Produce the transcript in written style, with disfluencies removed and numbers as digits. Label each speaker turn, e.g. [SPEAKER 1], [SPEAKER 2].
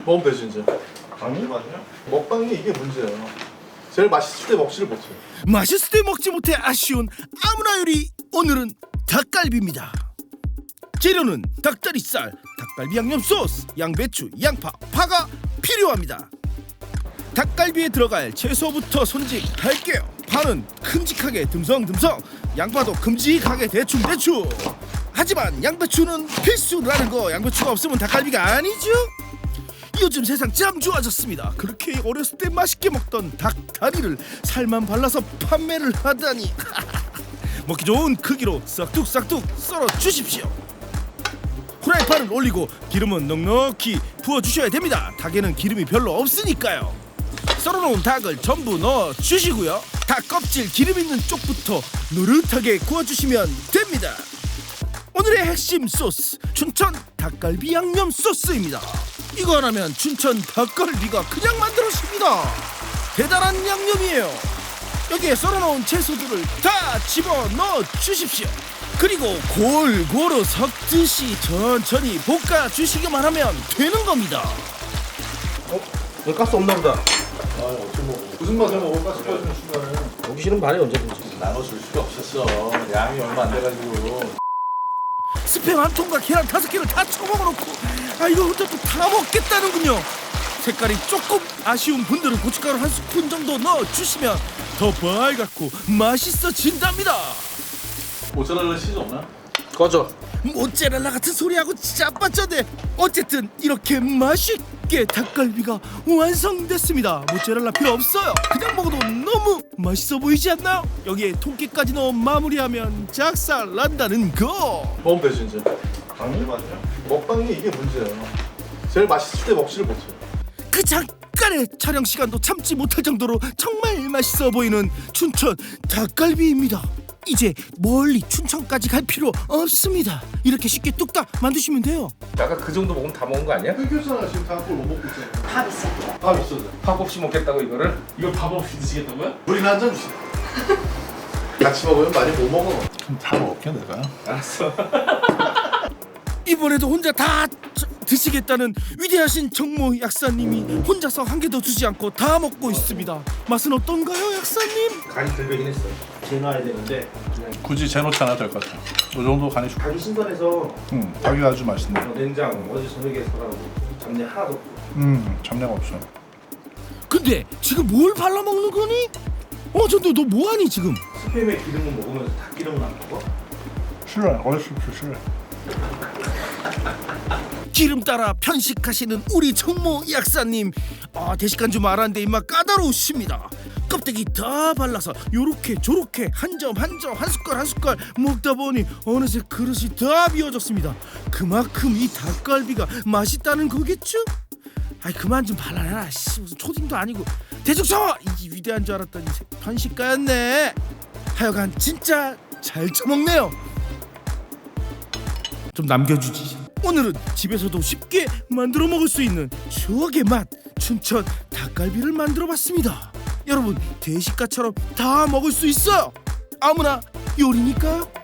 [SPEAKER 1] 먹으면 되지 이제.
[SPEAKER 2] 아니?
[SPEAKER 1] 먹방이 이게 문제야. 제일 맛있을 때 먹지를 못해.
[SPEAKER 3] 맛있을 때 먹지 못해 아쉬운 아무나 요리. 오늘은 닭갈비입니다. 재료는 닭다리살, 닭갈비 양념 소스, 양배추, 양파, 파가 필요합니다. 닭갈비에 들어갈 채소부터 손질할게요. 파는 큼직하게 듬성듬성, 양파도 큼직하게 대충대충. 하지만 양배추는 필수라는 거. 양배추가 없으면 닭갈비가 아니죠. 요즘 세상 참 좋아졌습니다. 그렇게 어렸을 때 맛있게 먹던 닭다리를 살만 발라서 판매를 하다니. 먹기 좋은 크기로 싹둑싹둑 썰어 주십시오. 후라이팬을 올리고 기름은 넉넉히 부어주셔야 됩니다. 닭에는 기름이 별로 없으니까요. 썰어놓은 닭을 전부 넣어주시고요. 닭 껍질 기름 있는 쪽부터 노릇하게 구워주시면 됩니다. 오늘의 핵심 소스, 춘천 닭갈비 양념 소스입니다. 이거 하나면 춘천 닭갈비가 그냥 만들어집니다. 대단한 양념이에요. 여기에 썰어놓은 채소들을 다 집어넣어 주십시오. 그리고 골고루 섞듯이 천천히 볶아주시기만 하면 되는 겁니다.
[SPEAKER 2] 여기 가스 없나 보다.
[SPEAKER 1] 아 어떻게 먹어? 무슨 맛에 먹을까 싶어지는 순간에
[SPEAKER 2] 먹기 싫으면 말해 언제든지.
[SPEAKER 1] 나눠줄 수가 없었어. 양이 얼마 안 돼가지고.
[SPEAKER 3] 스팸 한 통과 계란 5개를 다 쳐먹어놓고 이거 혼자 또 다 먹겠다는군요. 색깔이 조금 아쉬운 분들은 고춧가루 한 스푼 정도 넣어주시면 더 빨갛고 맛있어진답니다.
[SPEAKER 1] 모짜렐라 치즈 없나?
[SPEAKER 2] 꺼져.
[SPEAKER 3] 모짜렐라 같은 소리하고 진짜 빠졌네. 어쨌든 이렇게 맛있게 닭갈비가 완성됐습니다. 모짜렐라 필요 없어요. 그냥 먹어도 너무 맛있어 보이지 않나요? 여기에 통깨까지 넣어 마무리하면 작살 난다는 거.
[SPEAKER 1] 먹으면 되지 이제.
[SPEAKER 2] 아니?
[SPEAKER 1] 먹방이 이게 문제야. 제일 맛있을 때 먹지를 못해.
[SPEAKER 3] 그 잠깐의 촬영 시간도 참지 못할 정도로 정말 맛있어 보이는 춘천 닭갈비입니다. 이제 멀리 춘천까지 갈 필요 없습니다. 이렇게 쉽게 뚝딱 만드시면 돼요.
[SPEAKER 2] 아까 그 정도 먹으면 다 먹은 거 아니야?
[SPEAKER 1] 끊겼잖아. 지금 다꼴 못 먹고 있잖아.
[SPEAKER 4] 밥 있어.
[SPEAKER 1] 밥 있어도.
[SPEAKER 2] 밥 없이 먹겠다고 이거를?
[SPEAKER 3] 이걸 밥 없이 드시겠다고요?
[SPEAKER 1] 물이나 한잔 주세요. 같이 먹으면 많이 못 먹어. 그럼 다 먹게 내가.
[SPEAKER 2] 알았어.
[SPEAKER 3] 이번에도 혼자 다 드시겠다는 위대하신 정모 약사님이 혼자서 한 개도 주지 않고 다 먹고 있습니다. 맛은 어떤가요, 약사님?
[SPEAKER 2] 간이 들배긴 했어.
[SPEAKER 5] 재놔야 되는데
[SPEAKER 1] 굳이 재놓지 않아도 될 것 같아. 이 정도 간이 좋고.
[SPEAKER 5] 닭이 신선해서
[SPEAKER 1] 닭이 아주 맛있네.
[SPEAKER 5] 냉장 어제 저녁에 사가지고 잡내 하나도 없고
[SPEAKER 1] 잡내가 없어.
[SPEAKER 3] 근데 지금 뭘 발라 먹는 거니? 전도 너 뭐하니 지금?
[SPEAKER 5] 스팸의 기름은 먹으면서 닭 기름은 안 먹어?
[SPEAKER 1] 싫어. 어렸을 때 싫어.
[SPEAKER 3] 기름 따라 편식하시는 우리 정모 약사님, 대식간 줄 알았는데 입맛 까다로우십니다. 껍데기 다 발라서 요렇게 저렇게 한 점 한 점 한 숟갈 한 숟갈 먹다 보니 어느새 그릇이 다 비워졌습니다. 그만큼 이 닭갈비가 맛있다는 거겠죠? 그만 좀 발라라. 무슨 초딩도 아니고 대충 쳐! 이 위대한 줄 알았더니 편식가였네. 하여간 진짜 잘 처먹네요. 좀 남겨주지. 오늘은 집에서도 쉽게 만들어 먹을 수 있는 추억의 맛 춘천 닭갈비를 만들어 봤습니다. 여러분 대식가처럼 다 먹을 수 있어요. 아무나 요리니까요.